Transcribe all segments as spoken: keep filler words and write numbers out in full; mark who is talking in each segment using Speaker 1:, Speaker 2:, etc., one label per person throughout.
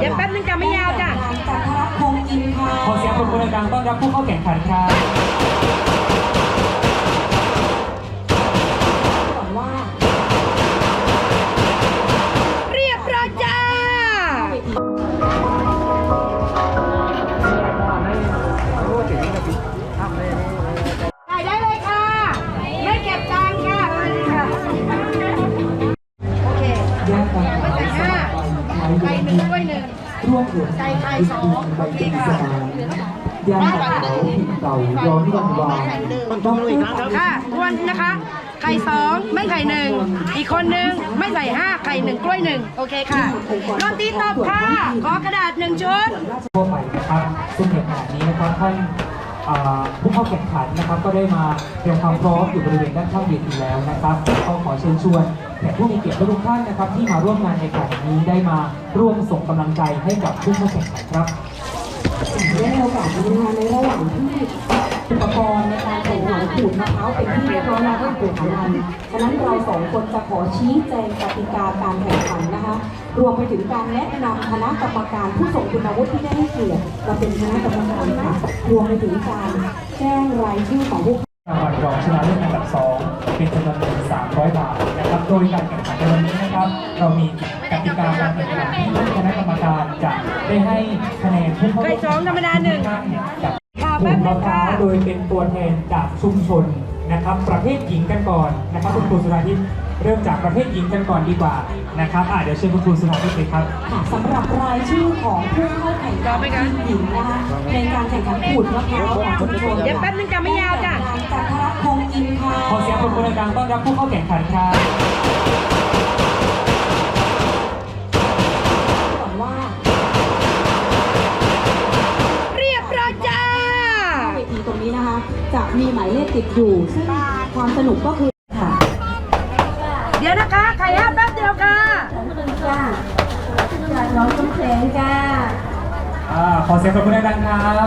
Speaker 1: เดี๋ยวแป๊บนึงจะไม่ยาวจ้ะ
Speaker 2: จันทรัตน์คงอินค่ะ
Speaker 3: ขอเสียงปรบมือดังๆต้อนรับผู้เข้าแข่งขันครับ
Speaker 2: ก่อนว่า
Speaker 1: เรียบร้อยจ้าถ่ายได้เลยค่ะไม่เก็บตังค์ค่ะมาเลยค่ะโอเคไม่ใส่ห้าไก่หนึ่งกล้วยหนึ่งไก่ไข่สองโอเคค่ะ
Speaker 3: ยางขาวเก่าย้อนวันวานต้องอีกครั้งครับ
Speaker 1: ค่ะทวนนะคะ ไข่สองไม่ไข่หนึ่งอีกคนหนึ่งไม่ใส่ห้าไข่หนึ่งกล้วยหนึ่งโอเคค่ะโรตีตบค่ะขอกระดาษหนึ่งชุด
Speaker 3: ทั่วไปนะครับซึ่งในขณะนี้นะครับท่านผู้เข้าแข่งขันนะครับก็ได้มาเตรียมความพร้อมอยู่บริเวณด้านข้างเวทีแล้วนะครับก็ขอเชิญชวนแขกผู้มีเกียรติทุกท่านนะครับที่มาร่วมงานในครั้งนี้ได้มาร่วมส่งกำลังใจให้กับผู้เข้าแข่งขันครับ
Speaker 2: ได้โอกาสทำงานในระหว่างที่อุปกรณ์ในการแข่งขันขูดมะพร้าวเป็นที่เรียบร้อยแล้วก็ขูดของมันฉะนั้นเราสองคนจะขอชี้แจงกติกาการแข่งขันนะคะรวมไปถึงการแนะนำคณะกรรมการผู้ทรงคุณวุฒิที่ได้ให้เกียรติมาเป็นคณะกรรมการค่ะรวมไปถึงการแจ้งรายชื่อของผู้
Speaker 3: รางวัลรองชนะเลิศอันดับสองเป็นจำนวนเงินสามร้อยบาทนะครับโดยการแข่งขันในวันนี้นะครับเรามีกติกาการแข่งขันที่คณะกรรมการจะได้ให้คะแนนผู้เข้าแข่งขันจากกลุ่มมะพร้าวโดยเป็นตัวแทนจากชุมชนนะครับประเภทหญิงกันก่อนนะครับคุณครูสุราทิพย์เริ่มจากประเภทหญิงกันก่อนดีกว่านะครับอ่าเดี๋ยวเชิญคุณครูสุราทิพย์เลยครับ
Speaker 2: สำหรับรายชื่อของผู้เข้าแข่งขันหญิงนะคะในการแข่งขันขูดมะพร้าวของชุมชน
Speaker 1: เดี๋ยวแป๊บนึงจะไม่ยาวจ้ะ
Speaker 2: จันทรัตน์คงอินค่ะ
Speaker 3: ขอเสียงปรบมือดังๆต้อนรับผู้เข้าแข่งขันครับ
Speaker 2: ก่อนว่า
Speaker 1: เรียบร้อยจ้า
Speaker 2: เวทีตรงนี้นะคะจะมีหมายเลขติดอยู่ซึ่งความสนุกก็คือค่ะ
Speaker 1: เดี๋ยวนะคะไข่ห้าแป๊บเดียวค่ะ
Speaker 2: จ้าน้องต้นแสงจ้า
Speaker 3: อ่าขอเสียงปรบมือดังๆครับ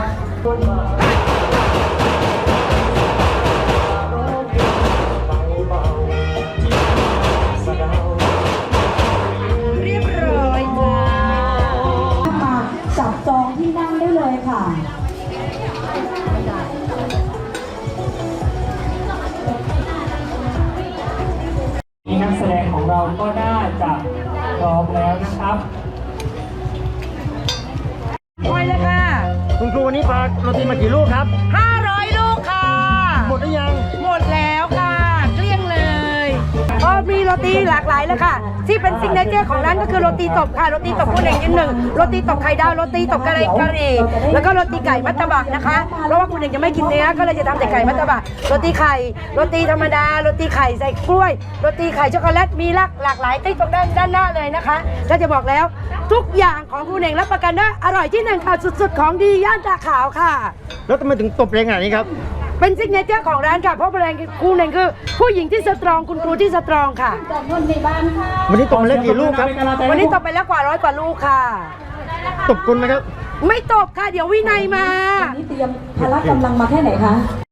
Speaker 1: เรียบร้อยจ้า
Speaker 2: มาจับจองที่นั่งได้เลยค่ะ
Speaker 3: นี่นักแสดงของเราก็น่าจะพร้อมแล้วนะครับ
Speaker 1: ไปเลยค่ะ
Speaker 4: คุณครูวันนี้ฝากโรตีมากี่ลูกครับ
Speaker 1: ห้าร้อยลูกค่ะ
Speaker 4: หมดหรือยัง
Speaker 1: หมดแล้วค่ะเกลี้ยงเลยก็มีโรตีหลากหลายเลยค่ะที่เป็นซิกเนเจอร์ของร้านก็คือโรตีตบค่ะโรตีตบคุณเองยืนหนึ่งโรตีตบไข่ดาวโรตีตบกะหรี่กะหรี่แล้วก็โรตีไก่มัตตบะนะคะเพราะว่าคุณเองจะไม่กินเนื้อก็เลยจะทำแต่ไก่มัตตบะโรตีไข่โรตีธรรมดาโรตีไข่ใส่กล้วยโรตีไข่ช็อกโกแลตมีหลากหลากหลายที่ตรงด้านด้านหน้าเลยนะคะก็จะบอกแล้วทุกอย่างของคุณเองรับประกันได้อร่อยที่หนึ่งค่ะสุดๆของดีย่านตาขาวค่ะ
Speaker 4: แล้วทำไมถึงตบแรงขนาดนี้ครับ
Speaker 1: เป็นซิกเนเจอร์ของร้านค่ะเพราะแบรนด์ครูเน่งคือผู้หญิงที่สตรองคุณครูที่สตรองค่ะ
Speaker 4: วันนี้ตบไปแล้วกี่ลูกครับ
Speaker 1: วันนี้ตบไปแล้วกว่าร้อยกว่าลูกค่ะ
Speaker 4: ตบคนไหมครับ
Speaker 1: ไม่ตบค่ะเดี๋ยววินัยมา
Speaker 2: วันนี้เตรียมพละกำลังมาแค่ไหนคะ